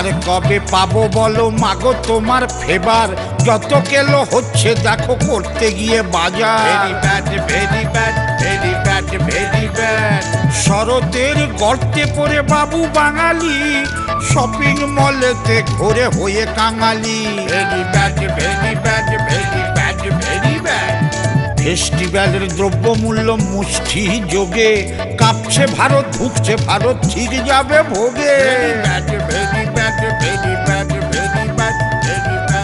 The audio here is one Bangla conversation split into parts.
আর কবে পাবো বলো মাগো তোমার ফেবার? যত কেলো হচ্ছে দেখো করতে গিয়ে বাজার। Very bad, very bad, very bad, very bad. শরতের গর্তে পড়ে বাবু বাঙালি, শপিং মলেতে ঘুরে হয়ে কাঙালি। Very bad, very bad, very bad, very bad. ফেস্টিভ্যালের দ্রব্যমূল্য মুষ্টি যোগে, কাঁপছে ভারত, ঢুকছে ভারত, ঠিক যাবে ভোগে। Very bad, very bad, very bad, very bad, very bad.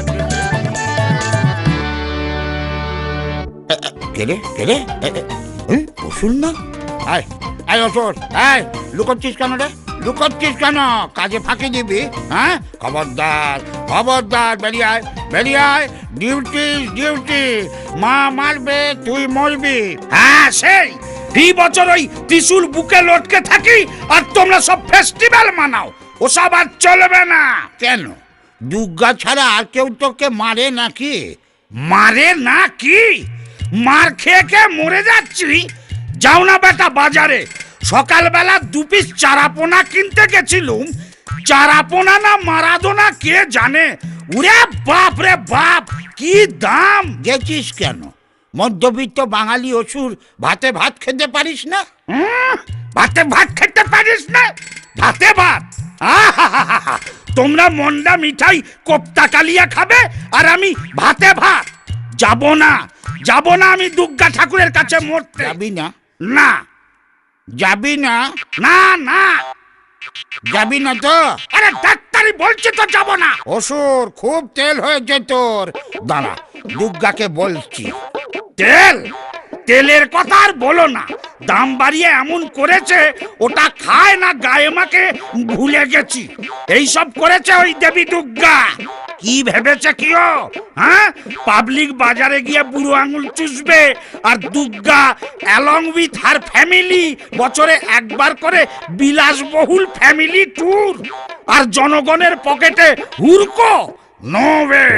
কেরে কেরে অসুর না? আয় আয় অসুর, আয় লুকোচ্ছিস কেন রে? লুকোচ্ছিস কেন? কাজে ফাঁকি দিবি? হ্যাঁ, খবরদার খবরদার, বেরিয়ে আয় বেরিয়ে আয়। ডিউটি ডিউটি, মা মারবে তুই মরবি। হ্যাঁ সেই বছর ওই ত্রিশূল বুকে লটকে থাকি আর তোমরা সব ফেস্টিভ্যাল মানাও, ওসব আর চলবে না। কেন, দুর্গা ছাড়া আর কেউ তোকে মারে নাকি? মারে না কি? মার খেয়ে খেয়ে মরে যাচ্ছি। যাও না বেটা বাজারে, সকালবেলা 2 পিস চারাপোনা কিনতে গেছিলুম। চারাপোনা না মারাদোনা কে জানে, উরে বাপ রে বাপ কি দাম। গেছিস কেন? মধ্যবিত্ত বাঙালি অসুর, ভাতে ভাত খেতে পারিস না? ভাতে ভাত খেতে পারিস না? ভাতে ভাত? আহাহাহা, তোমরা মন্ডা মিঠাই কোপ্তা কালিয়া খাবে আর আমি ভাতে ভাত? যাব না যাব না আমি দুর্গা ঠাকুরের কাছে মরতে। যাবি না? না যাবি না? না না যাবি না তো? আরে ডাক্তারি বলছে তো যাব না। অসুর, খুব তেল হয়েছে তোর। দাঁড়া, দুর্গাকে বলছি। তেল? তেলের কথা আর বলো না, দাম বাড়িয়ে এমন করেছে ওটা খায় না গায়ে মাকে ভুলে গেছি। এইসব করেছে ওই দেবী দুর্গা। কি ভেবেছে কিও? হ্যাঁ, পাবলিক বাজারে গিয়ে বুড়ো আঙুল চুষবে আর Durga along with her family বছরে একবার করে বিলাসবহুল ফ্যামিলি ট্যুর, আর জনগণের পকেটে হুরকো? No way.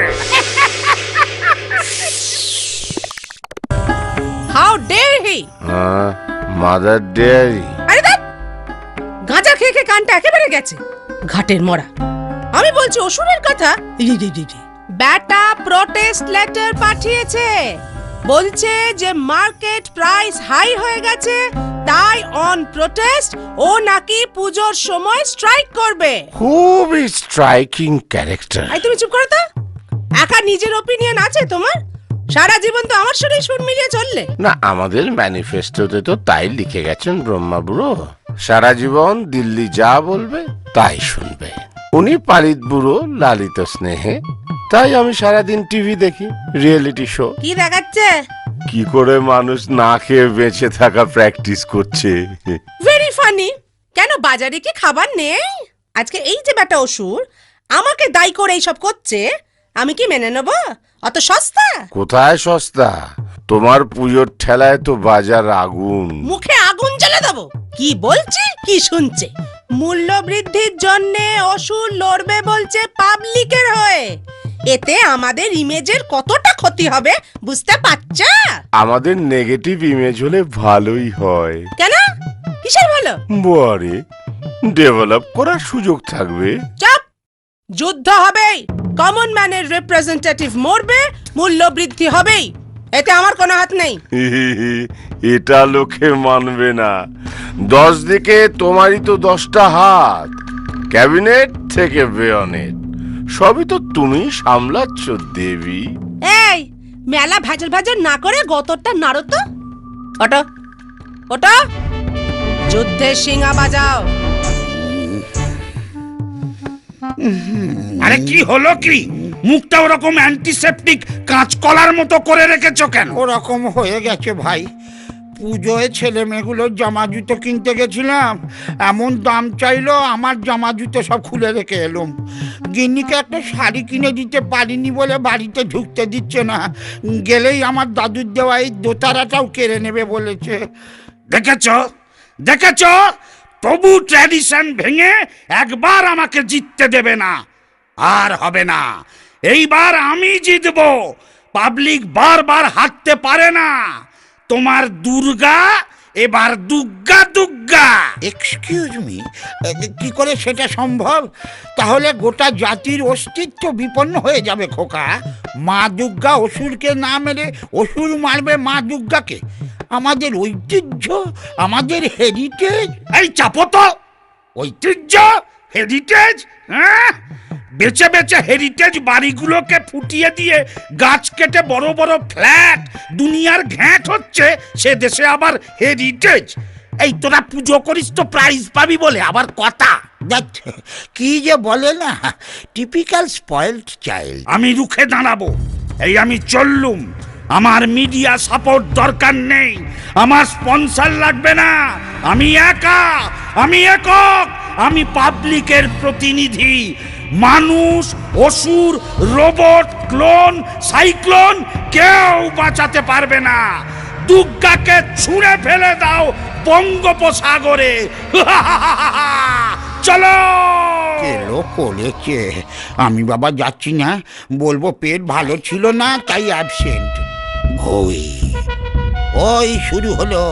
How dare he? Mother Dairy. আরে দেখ, গাঁজা খেয়ে খেয়ে কানটা একেবারে গেছে, ঘাটের মরা। আমি বলছি অসুরের কথা। ব্যাটা প্রোটেস্ট লেটার পাঠিয়েছে, বলছে যে মার্কেট প্রাইস হাই হয়ে গেছে, তাই অন প্রোটেস্ট ও নাকি পুজোর সময় স্ট্রাইক করবে। খুবই স্ট্রাইকিং ক্যারেক্টার। আই তুমি চুপ করো তো। একা নিজের ওপিনিয়ন আছে তোমার? সারা জীবন তো আমার সাথে সুর মিলিয়ে চললে। না, আমাদের ম্যানিফেস্টোতে তো তাই লিখে গেছেন ব্রহ্মা বুড়ো, সারা জীবন দিল্লি যা বলবে তাই শুনবে। উনি পালিত বুড়ো, লালিত স্নেহে, তাই আমি সারাদিন টিভি দেখি, রিয়েলিটি শো। কি দেখাচ্ছে? কি করে মানুষ না খেয়ে বেঁচে থাকা প্র্যাকটিস করছে। Very funny. কেন বাজারে কি খাবার নেই? আজকে এই যে বেটা অসুর আমাকে দায়ী করে এইসব করছে, আমি কি মেনে নেব? অত সস্তা? কোথায় সস্তা? তোমার পুজোর ঠেলায় তো বাজার আগুন। মুখে আগুন জ্বালা দেবো? কি বলছে কি শুনছে? মূল্য বৃদ্ধির জন্য অসুর লড়বে বলছে পাবলিকের হয়ে। এতে আমাদের ইমেজের কতটা ক্ষতি হবে বুঝতে পারছ? আমাদের নেগেটিভ ইমেজ হলে ভালোই হয়। কেন? কিসের ভালো? বারে ডেভেলপ করার সুযোগ থাকবে। চাপ। যুদ্ধ হবেই, কমন ম্যানের রিপ্রেজেন্টেটিভ মরবে, মূল্য বৃদ্ধি হবেই, এতে আমার কোনো হাত নেই। এটা লোকে মানবে না। 10 দিকে তোমারই তো 10টা হাত, ক্যাবিনেট থেকে বেয়নেট, সবই তো তুমি সামলাচ্ছ দেবী। এই মেলা ভেজল ভেজল না করে গতরটা নাড়ো তো। ওটো ওটো, যুদ্ধের সিংহা বাজাও। আরে কি হলো কি? মুখটা ওরকম অ্যান্টিসেপটিক কাঁচকলার মতো করে রেখেছো কেন? ওরকম হয়ে গেছে ভাই। পুজোয় ছেলে মেয়েগুলোর জামা জুতো কিনতে গেছিলাম, এমন দাম চাইলো, আমার জামা জুতো সব খুলে রেখে এলুম। গিন্নিকে একটা শাড়ি কিনে দিতে পারিনি বলে বাড়িতে ঢুকতে দিচ্ছে না, গেলেই আমার দাদুর দেওয়া এই দোতারাটাও কেড়ে নেবে বলেছে। দেখেছো দেখেছো, তবু ট্র্যাডিশন ভেঙে একবার আমাকে জিততে দেবে না। আর হবে না, এইবার আমি জিতবো। পাবলিক বারবার হারতে পারে না। তোমার দুর্গা এবার দুগ্গা দুগ্গা। এক্সকিউজ মি, কি করে সেটা সম্ভব? তাহলে গোটা জাতির অস্তিত্ব বিপন্ন হয়ে যাবে খোকা। মা দুর্গা অসুরকে না মেরে অসুর মারবে মা দুর্গাকে। আমাদের ঐতিহ্য, আমাদের হেরিটেজ। এই চাপো তো, ঐতিহ্য হেরিটেজ, হ্যাঁ? বেচে বেচে হেরিটেজ বাড়িগুলোকে ফুটিয়ে দিয়ে গাছ কেটে বড় বড় ফ্ল্যাট দুনিয়ার ঘ্যাঁট হচ্ছে, সে দেশে আবার হেরিটেজ। এই তোরা পুজো করিস তো প্রাইজ পাবি বলে আবার কথা। দেখ কি যে বলে না, টিপিক্যাল স্পয়েলড চাইল্ড। আমি রুখে দাঁড়াবো, এই আমি চললুম। আমার মিডিয়া সাপোর্ট দরকার নেই, আমার স্পন্সর লাগবে না। আমি একা, আমি একক, আমি পাবলিকের প্রতিনিধি। মানুষ, অসুর, রোবট, ক্লোন, সাইক্লোন কেউ বাঁচাতে পারবে না। দুর্গাকে ছুঁড়ে ফেলে দাও বঙ্গোপসাগরে। চলো। এলো করেছে। আমি বাবা যাচ্ছি না, বলবো পেট ভালো ছিল না তাই অ্যাবসেন্ট। ওই ওই শুরু হলো।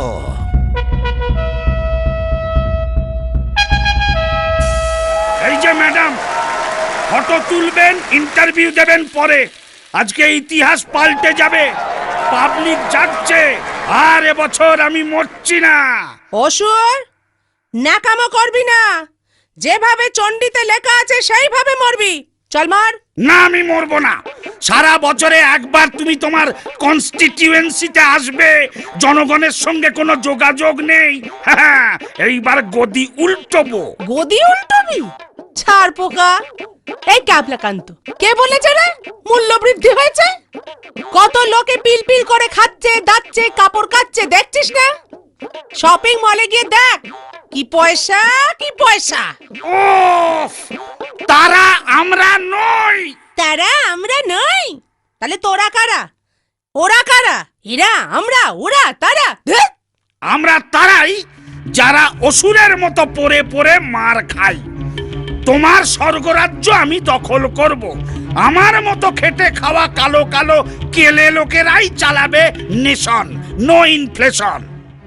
এই যে ম্যাডাম, ফটো তুলবেন, ইন্টারভিউ দেবেন পরে। আজকে ইতিহাস পাল্টে যাবে, পাবলিক যাচ্ছে। আর এবছর আমি মরছি না। অসুর, ন্যাকামো করবি না। যেভাবে চণ্ডীতে লেখা আছে সেইভাবে মরবি। চল মার। না, আমি মরবো না। সারা বছরে একবার তুমি তোমার কনস্টিটিউয়েন্সিতে আসবে, জনগণের সঙ্গে কোনো যোগাযোগ নেই। হ্যাঁ, এইবার গদি উল্টোবো। গদি উল্টবি? ছাড় পোকা। এই ক্যাবলাকান্ত, কে বলেছে রে মূল্য বৃদ্ধি হয়েছে? কত লোকে পিলপিল করে খাচ্ছে, দাচ্ছে, কাপড় কাচ্ছে, দেখছিস না? শপিং মলে গিয়ে দেখ কি পয়সা, কি পয়সা। ওফ, তারা আমরা নই। তারা আমরা নই? তাহলে তোরা কারা? ওরা কারা? এরা, আমরা, ওরা, তারা? ধ্যাৎ! আমরা তারাই যারা অসুরের মতো পড়ে পড়ে মার খাই। তোমার স্বর্গরাজ্য আমি দখল করব। আমার মতো খেটে খাওয়া কালো কালো কেলে লোকেরাই চালাবে নেশন। No inflation.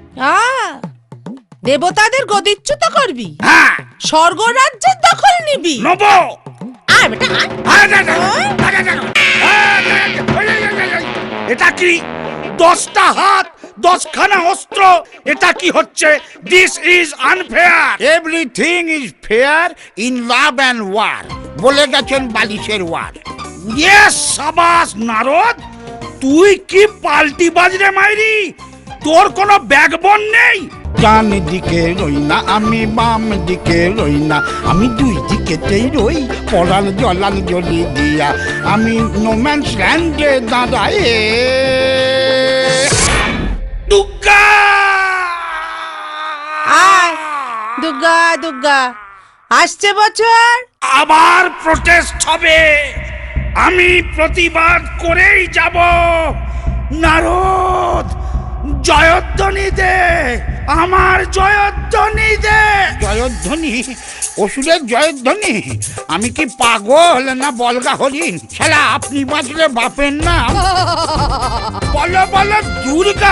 দেবতাদের গদিচ্যুত করবি? হ্যাঁ, স্বর্গরাজ্যের দখল নিবি? নব। আয় বেটা, এটা কি? 10টা হাত, 10খানা অস্ত্র, এটা কি হচ্ছে? This is unfair. Everything is fair in love and war, বলে গেছেন বালিশের ওয়ার। ইয়েস, সাবাস নারদ, তুই কি পাল্টি বাজরে মাইরি? তোর কোনো ব্যাকবোন নেই। ডান দিকে রই না আমি, বাম দিকে রই না আমি, দুই দিকেতেই রই পড়াল জলাল জলি দিয়া। আমি নোম্যান্স ল্যান্ডে দাঁড়ায়। দুর্গা! আয় দুর্গা, দুর্গা আসছে বছর। আবার প্রটেস্ট হবে, আমি প্রতিবাদ করেই যাব। নারদ, জয়ধ্বনি দে, আমার জয়ধ্বনি দে। জয়ধ্বনি? অসুরের জয়ধ্বনি? আমি কি পাগল না বলগা হরিণ? শালা আপনি বাঁচলে বাপের নাম। বলো বলো দুর্গা